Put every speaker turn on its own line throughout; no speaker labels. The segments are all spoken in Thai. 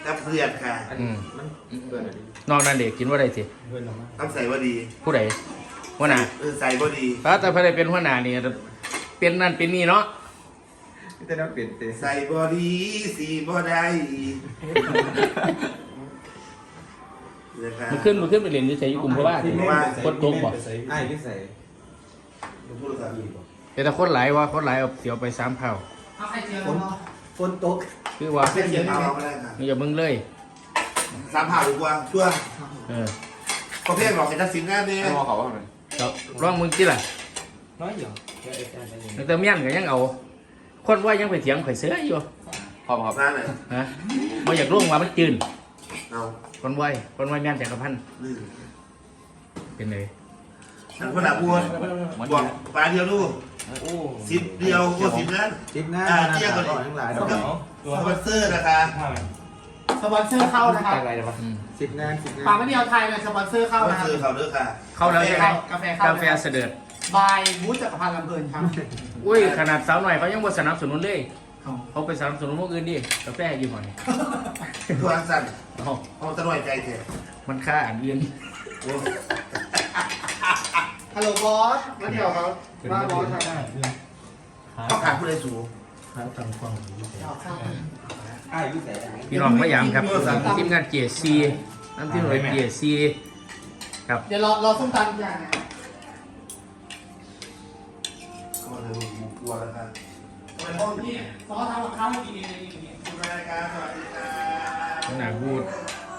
กับเพื่อนค่ะ
นอกนั้นเด็กกินว่าไรสิ
ต้องใส่ว่าดี
ผู้ใดหัวหน้า
ใส่ว่าดี
แต่พอได้เป็นหัวหน้านี่เป็นนั่นเป็นนี่เนาะ
แต่เราเปลี่ยนเตะ
ใส่บอดีสีบอได้
มันขึ้นไปเรียนที่ใส่ยุคุมเพราะว่าคนโกงบอก
ไอ้ที่ใส่
แต่คนหลายว่าคนหลายเอาเสียวไป3 เผ่า
ฝนตก
คือว่า
เสียงเอาไม่ได้ค่ะ
อย่ามึงเลย
3 เผ่าดีกว่าชั่วเขาเพี้ยนหรอกเห็นทักษิณงานเนี่ย
เขาว่าไง
ร้องมึงที่ไร
น้อยอยู่
แต่เมียนก็ยังเอาคนว่ายังไปเถียงข่อยเสืออยู่
พร้อมครับ
นั่นเลย
ฮะไม่อยากร่วงว่ามันจืน
เอา
คนไหวเมียนจักรพันธ์เป็นไง
ท่านพนักบัวบอกปลาเดียวลูก10 เดียวก็10 นั้น
10 นั้น
เที่ยงกันทั้งหลายสปอนเซอร์นะคะ
สปอนเซอร์เข้านะครับ
10 นั้น
ปลาไม่เดียวไทยเลยสปอนเซอร์เข้านะครับ
เข้าด้วยค่ะ
เข้าแล้วใช่ไหมกาแฟเสด็จ
บายบูธจักรพันธ์ลำเพลินครับ
อุ้ยขนาดสาวหน่อยเขายังบ่สนับสนุนเลยเขาไปสนับสนุนพวกอื่นดิกาแฟอยู่ก่อน
ตัวสั้นเอาตะหน่อยใจเถอะ
มันค่าอ่านเรียน
ฮัลโหลบอสมาเดี๋ยวครับมาบอสครับ
เขาขาดผู้ใดสูง
พี่น้องพยายามครับทีมงานเกียร์ซีน้ำที่หน่วยเกียร์ซีครับ
เดี๋ยวรอส้มตำอย่าง
ก็เลยกลัวแล้วครับ
นี่ซอสทำกับข้าวกินเอง
คุณรายการสวัสดีครับ
หนาพูด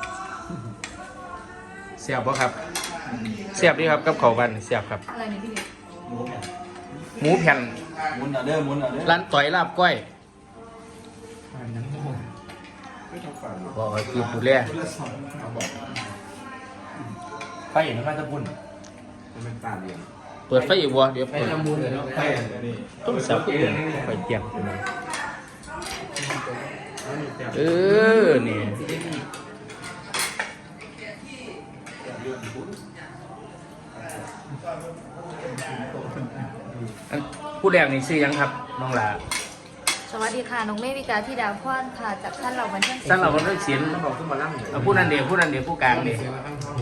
เสียบป่ะครับเสียบดีครับกับเขาบันเสียบครับ
อะไรเนี่ยพี่เด็ก
หมูแผ่นร้านต่อยลาบก้อยบอกคือผู้เล่ไฟเห็นไหมตะพุ่น
เป็นตาเดียว
เปิดไฟอีกวะเดี๋ยวเปิดต้องสับไฟเตียงนี่ผู้แรกนี่ชื่อยังครับน้องหลา
สวัสดีค่ะน้องเมวิกาที่ดาวพรค่ะจากท่านเราบันเทิง
ท่านเราบันเทิงศิลป์ผู้นั้นเดียวผู้กลางเดียว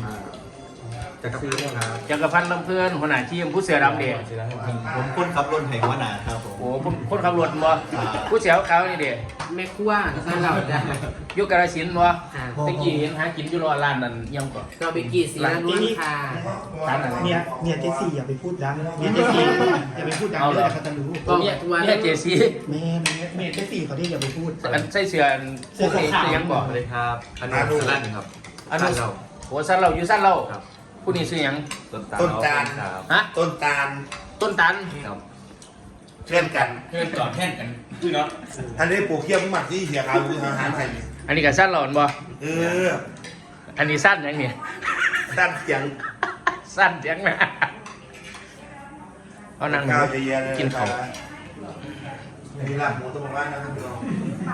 จักรพันธ์ลำเพลินหัวหน้าทีมผู้เสือดำเดียว
ผมคนขับรถแห่งหัวหน้าครับผม
โอ้คนขับรถบ่ผู้เสือขาวนี่เดียว
แม่ขั้วท่านเรา
ยุคกระสินบ่ตะกี้เห็นหากินอยู่รอร้านนั้นยังก่อน
เราไปกี่สีล้วนค่ะ
เนี่ยเจสี่อย่าไปพูดดังเนี่ยเจสี่อย่าไปพูดดังเลยเขาจะรู้
เนี่ยเจสี่
แม่เจสี่เขาที่อย่าไปพูด
ใส่เสื้อพวกนี้ยังบอกเลย
ครับอันนี้สั้นครับ
อันนี้โอ้สั้นเราอยู่สั้นเราผู้นี้ซื้อยัง
ต้นตาล
ฮะ
ต้นตาล
ครับ
เพื่อนกัน
คือเนาะ
อันนี้ปลูกเขี้ยวหมักที่เหี่ยขาวคืออาหารไทย
อันนี้ก็สั้นหลอนบ่อันนี้สั้นยังเนี่ย
สั้นเสียง
นะเอานั่งกินข้าว
มีลาบหมูต้มบ้านนะครับพี่น้อง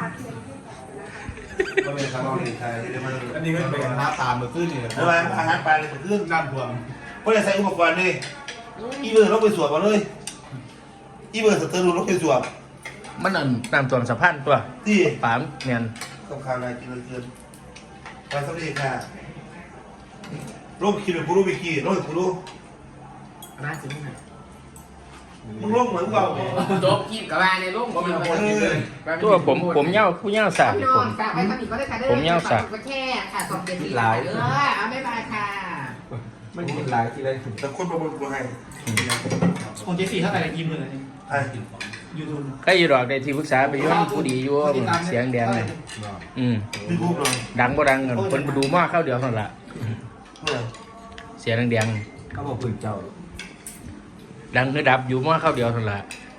ก็เป็นคำว่าไทย
อันนี้ก็เป็นหน้าตาเมื่อคืนนี่แหละ
เพราะว่าอาหารปลาเลยเรื่องน้ำท่วมเพราะจะใส่อุปกรณ์นี่อีเบอร์เราไปสวมมาเลยอีเบอร์สเตอร์รูเราไปสวม
มันนั่นน้ำท่วมสะพานตัว
ที่
ปามเนียน
ต้องข่าวอะไรกินเกินไปสวัสดีค่ะรูปคิดเป็นผู้รู้วิกีรูปผู้รู้
น่าจริงไหม
มึงร่มเหมือนเรา
โจ๊กกินกับอะไรในร่มผมเป็นคน
ตัวผมเย้าผู้เย้าสาดผมเย้าสาด
ก็แค่ค่ะสองเดือนที่หลายเอาไม่มาค่ะ
มันกินหลายทีเลย
แต่คนประเมินกูให้
ของเจสี่เท่าไหร่กี่หมื่นนี่
ยูทูบ
ใครอยู่ดอกได้ที่ปรึกษาไปย้อนผู้ดีอยู่เสียงแดงเลยดังบ่ดังคนไปดูมากเข้าเดียวเท่านั้นละเสียงแดง
เขาบอกปืนเจ้า
ดังคือดับอยู่มากเข้าเดียวเท่านั้นละ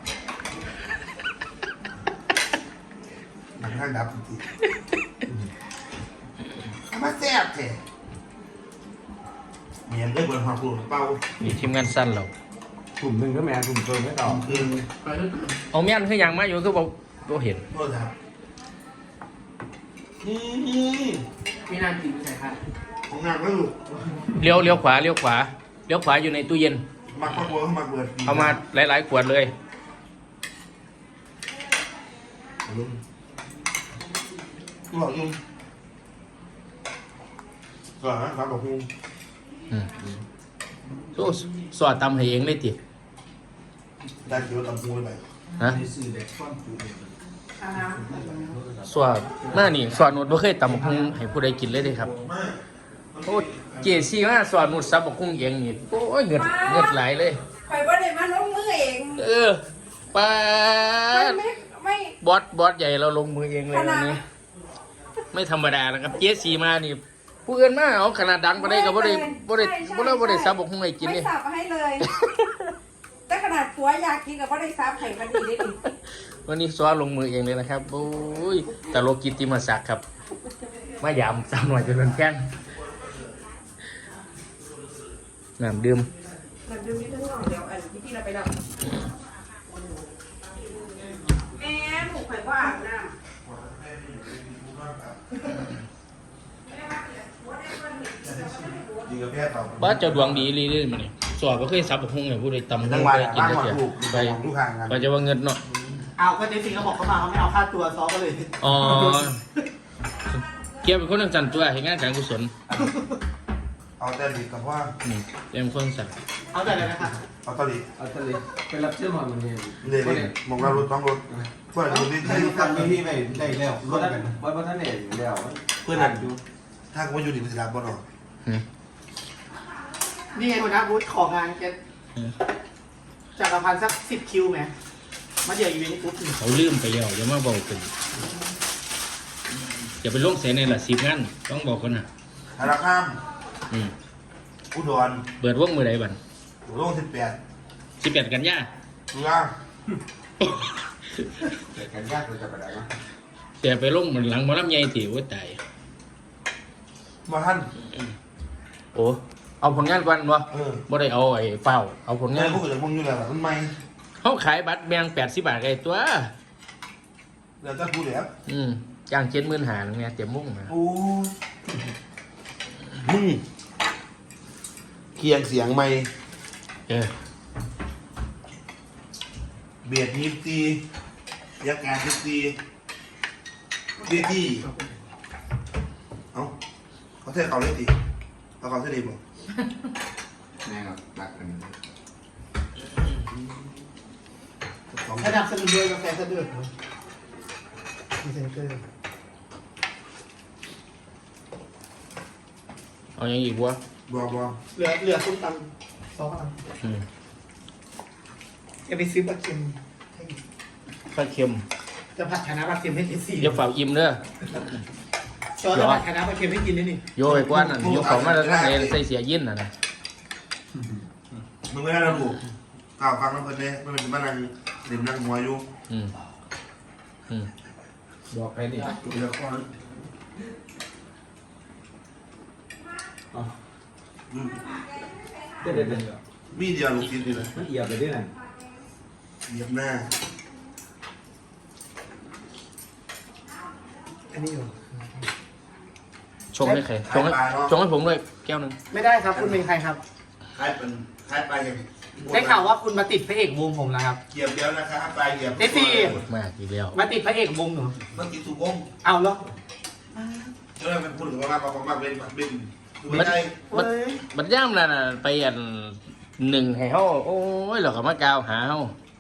มันข้างดับจริงๆมาแซ่บแท้เมียนได้เปิดความกลัวเป้า
มีทีมงานสั้นเรา
กลุ่มหนึ่งก็แม่กลุ่มเกินไม่ต่อ
เอาเมียนคือยังมาอยู่คือบอกเห็น
มีนานกินใช่ค่ะ
ของงานก็ลูก
เลี้ยวขวาอยู่ในตู้เย็น
มักมะม่วงมักเบิด
เอามาหลายๆขวดเลย
ลุงบอกลุงก็ครับบอกคุณ
โอ้สอดตำให้เองเลยติ
ได้คิดว่าตำพูไป
ฮะสอดหน้านี่สอดหนุดบ่เคยตำบักหุ่งให้ผู้ใดกินเลยเด้ครับโอ้เจซี่มาสอดหนุดซับบักหุ่งเองนี่โอ้ยเงิดหลายเลย
ข่อยบ่ได้มาลงมือเอง
ปา
มัน
ด
ไม่
บอสใหญ่เราลงมือเองเลยวันนี้ไม่ธรรมดานะครับเจซี่มานี่ผู้อื่นมาเอาขนาดดังบ่ได้ก็บ่ได้ซับบักหุ่งให้กิน
ไม่
นี่
สับให้เลย แต่ขนาดผัวอยากกินกับบ่ได้ซับให้มันดีได้ดิ
วันนี้ซ้อลงมือเองเลยนะครับโอ้ยตลกกิตติมศักดิ์ครับมายามสาวหน่อยจนเป็นแข้งน้ำดื่ม
มันดูนี่ทั้งสองเดี๋ยวอันที่เราไปดับแม่หมูข่อยว่าอาบน้
ดีกับแพทย์เรา
บ้าเจ้าดวงดีเลยเลยมันนี่สอบก็เคยซับบักหุ่งให้ผู้ใดตำหุ่
จัง
ง
หวะ
ไปกิน
บ้าง
ได้
ว่า
เสีย
ถูก
ไป
ทุกทางกัน
ไปจะว่าเงินเนาะ
เอาก็เจสี่เขาบอกเขามาเขาไม่เอาค่าตัวซ้อก็เลย
อ๋อเกี่ยวเป็นคนจันตัวเห็นงานการกุศล
เอาแต่ดีกับว่า
เป็นคนสั่ง
เอาแต่เลยนะครับ
เอาตลิ
เอาทะเลเป็นรับเชื่อมันเนี่ย
เนี่ยมองเรารถต้องรถเพื่อนดูดิ
ได้ทำที่ไม่ได้แล้วรถกันว่าท่านเองแล้ว
เพื่อนดูถ้ากูอยู่ดีมันจะรับบ่หรอ
นี่ไงคุณนะบูธของานแกจักรพันธ์สัก10 คิวไหมมาเดี๋ยวอีเวนต์ปุ๊บ
เขาลืมไปแล้วอย่ามาบอกกันอย่าไปลงเสียในละ10 งานต้องบอกคนน่ะ
ธนาคารอุดร
เปิดวงมือใดบัน
โล่ง18
18 กันยา
ตุลา
แต่กันยากเราจะไปไหนวะ
แต่ไปลงเหมือนหลังหมอลำใหญ่ถิวตาย
มาท่าน
โอ้เอาผลงานก่อนวะ
เออ
บ่ได้เอาไอ้เฝ้าเอาผล
งาง
าน น
พวกเกิดมึงอยู่แล้วมันไม่
เขาขายบัตรแบง80 บาทไอ้ตัว
เดี๋ยวจะพูดแล้ว
จ้าง70,000เนี่ยเต็มมุ่งนะ
โอ้มึงเคียงเสียงไม่ เบียดยิบตียักการยิบตีเบียดตีเอ้าเขาเท่เขาเลยตีเขาเท่ดีบ่
แม่ครับรักกัน
สนับสนุนด้วยกาแฟสะดวกมีเซนเตอร์
เอาอย่างอีกวะ
บ่
เหลือส้มตำซอสตำจะไปซื้อปลาเค็มให้
ปลาเค็ม
จะผัดคะน้าปลาเค็มให้เจสี่
เดี๋ยวฝากอิ่มเด้อ
ซอสจะผัดคะน้าปลาเค็มให้กินด้วยนี่
โยไปกว่านั่นโยของมาแล้วทั้งเลยใส่เสียยินน่ะนะ
มึงไม่ได้ระบุกล่าวฟังแล้วเพิ่นเนี่ยมันเป็นบ้านนางเด่นนางหัวอยู่
บอกใครดิ
เดี๋ยวก่อน
เด็ด
มีเดียวลูกชิ้นนี่แหละ
มันเอียบไปด้วยนั่น
เหยียบหน้า
อันนี้อยู่
ชงให้ใครชงให้ผมด้วยแก้วหนึง
ไม่ได้ครับคุณเป็นใครครับ
คล้ายไปอย่าง
ได้ข่าวว่าคุณมาติดพระเอกวงผมนะครับ
เหยียบเดียวนะครับไปเหยียบ
เจสี่
มากอีกแล้ว
มาติดพระเอกวงหนู
มันกินสุกง
เอาแล้ว
ก็เลยมันพูดถึงว่าบางเป็นไม่ได้
มันย่ำแล้วน่ะไปอันหนึ่งให้เฮาโอ้ยเราก็มากาวหาเฮา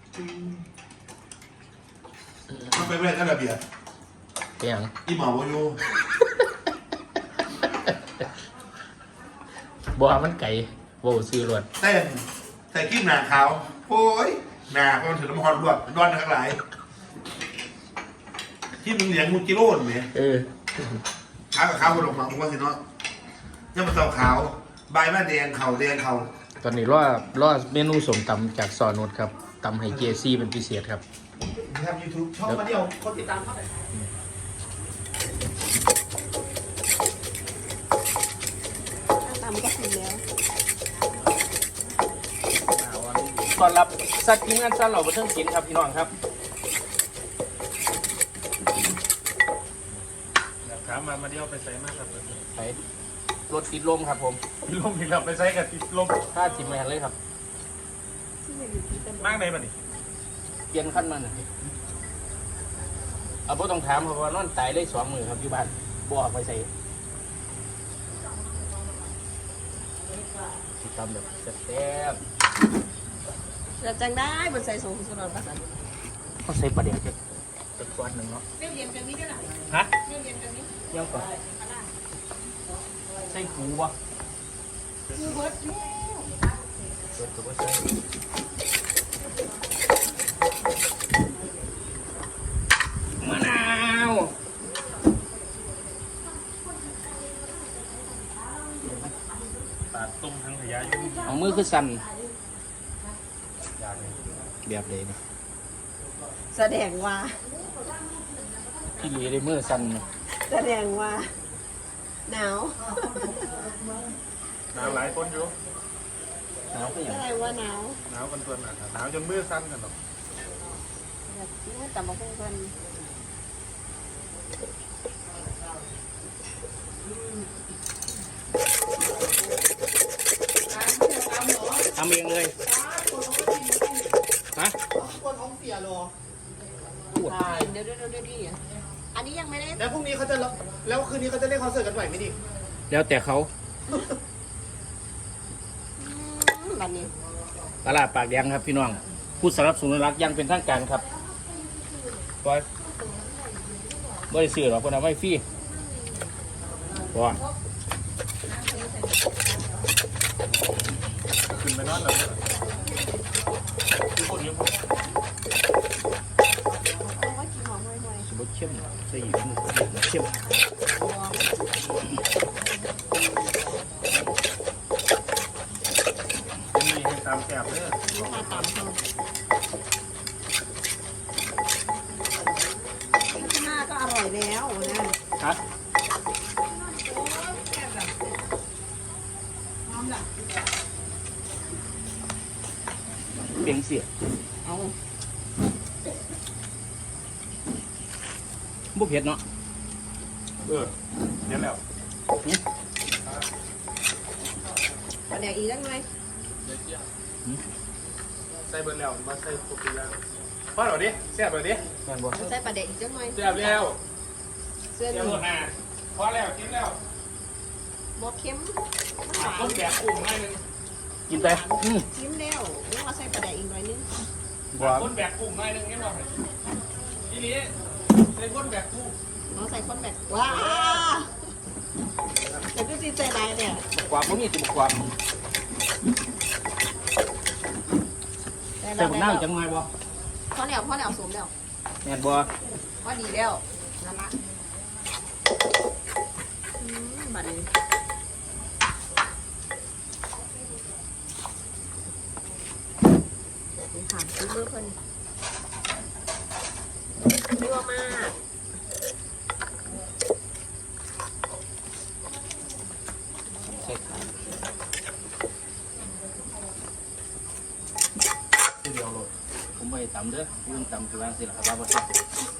มันเป็นเรื่องระเบียบ
ไปหยัง
อีหมอวอยู่
บ่มันไก่บ่ซื้อรวด
แต่กิ้มหนาขาวโอ้ยหนาเพราะมันถือน้ำฮอนรวดร้อนทั้งหลายที่มึงเหลียงมึงกิโลนเนี่ย ขาวกับขาวบนหลงหมังว่าสิเนาะยังมันเต่าขาวใบแม่แดงเข่าแดงเข่า
ตอนนี้รอเมนูสมตำจากซอนุชครับตำให้เจซี่เป็นพิเศษครับ
ทำ YouTube ช่องมาเดียวคนติดตามเท่าไหร่
ตามก็ถึงแล้ว
ตอนรับสัตว์ทีมงานสัตว์เหล่าบันเทิงศิลป์ครับพี่น้องครับถามมาเดียวไปใส่มากครับไปรถติดลมครับผมติดลมอีกครับไปใส่กับติดลมค่า10 แมนเลยครับมากเลยป่ะนี่เปลี่ยนขั้นมาหน่อยเอาพวกต้องถามเพราะว่านอนตายได้2 มื้อครับอยู่บ้านบ่ออกไปใส่ตำแบบแซ่บ
เราจังได้บนใส่สูงสุดประสัน
ๆเขาใส่ปลาเดี๋ยวจะก้อนหนึ่งเนาะ
เรียนกันนี้ได้หรอ
ฮะ
เรียนกันนี้
เยี่ยมก่อนใส่หูวะ
กูเบิร์ดแล้ว
เปิดตัวใส่มะนาวปลาต้มทั้งขยะเอามือคือสั่นแบบเลยนี่
แสดงว่า
พี่ลีได้มือสั่น
แสดงว่าหนาว
หนาวหลายคนอยู่
หนาวก็อย่าง
แสดงว่าหนาว
หนาวกันตัวหนาหนาวจนมือสั้นกันหรอก
แบบนี้แต่มาพุ่งกัน
ทำเองเลยฮะ
คนท้องเสียโล
ปวด
เดี๋ยวอันนี้ยังไม่ได้
แล้วพรุ่งนี้เขาจะแล้วคืนนี้เขาจะเล่นคอนเสิร์ตกันไหวไหมดิ
แล้วแต่เขา
แบบนี้
ตลาดปากแดงครับพี่น้องผู้สนับสนุนรักอยังเป็นทางการครับบอยบริสุทธิ์หรอกคนเอาไม่ฟรีบอย
ขึ้นไปนอนแล้วทุกคนเยอะ
ว่ากินหอมห่วย
สมมติเข้มใส่หยิบมือเข้ม
มีให้ตามแกบเลย
ๆลูกค้าตามเขาหน้าก็อร่อยแล้วนะ
ฮะเปลี่ยนเสีย
เอา
บุเผ็ดเนาะ
เดี๋ยวแล้ว
ประเดี๋ยวอีกสักหน่อย
ใส่เบอร์แล้วมาใส่ครบทุกอย่างพอหรอดิแซ่บหรอดิ
แม่นบ่
ใส่ประเดี๋ยวอีกสักหน่อย
แซ่บแล้ว
เสื้อ
แซ่บ
ห
หม
นึ่
ด
ง
อ่ะพอแล้วกินแล้ว
บดเค็ม
ต้มแกบกุ้งให้นึง
กินไปอืม
จิ้มแล้วนี่ว่าใส่ประเดี๋ยวอีกหน่อยนึง
บ่
ต้นแบกกุ้งให้นึงนี่บอกทีนี้ใส่ต้นแบกกุ้ง
น้องใส่ข้นแบบว้าแต่ก็จีใจไรเนี่ย
บกความบ่มีสิบกความใส่บักน้ำจังไงบ่
พ่อแล้วสวมแล้ว
แม่นบ่
ว่าดีแล้วนั่นละบัดนี้ถามซื้อเบอร์เพิ่นยั่วมาก
ใส่ขาเดียวโลดผมบ่ได้ตำเด้อยุ่งตำคือว่าสิล่ะครับว่าบ่แซ่บ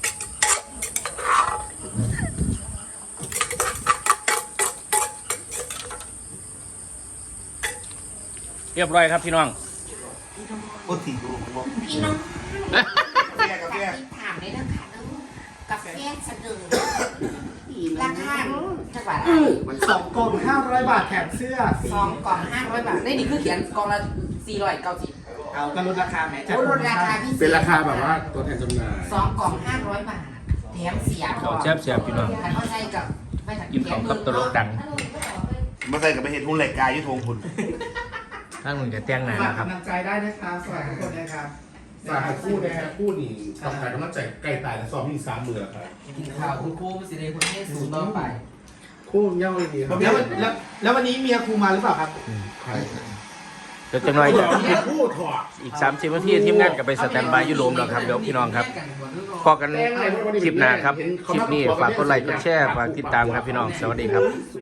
เรียบร้อยครับพี่น้อง
โอ้ตีกูบอก
พี่น้อง
กาแฟกาแฟ
ถามได้นะคะกาแฟสะดือราคาเท่าไหร่
2 กล่อง 500 บาทแถมเสื้อ
2 กล่อง 500 บาท นี่คือเขียนกล่องละ490
เอาก็ลดราคาแหม
ลดราคาพิเศษ
เป็นราคาแบบว่าตัวแทนจำหน่าย
2 กล่อง 500 บาท แถมเสีย
ข้าวแซ่บๆพี่น้อง
คันเข้าใจกับไม่ถัก
กินของกับตลกดัง
มาใส่กับไปเห็นหุ่นเหล็กกายยุทธงคุณ
ถ้ามึงจะแต่งหน้า
ฝาก
นะครับ
กำลังใจได้นะครับสวัสดีทุกคนนะครับ
ฝากให้คู่นะครับคู่นี่ต้องการกำลังใจใกล้ตายแล้วซ้อมมี3 มือแล้วครับ
กินข้าวคุณครูสิเดคุณให้สูต่อไป
คู่เย้าเลยดีครับ
แล้ววันนี้เมียครูมาหรือเปล่าครับ
ใคร
เดี๋ยวจะหน่อย
คู่ถอด
อีก30นาทีทีมงานก็ไปสแตนบายอยู่โรมแล้วครับเดี๋ยวพี่น้องครับพอกันคลิปหน้าครับ คลิปนี้ฝากกดไลค์กดแชร์ฝากติดตามครับพี่น้อง สวัสดีครับ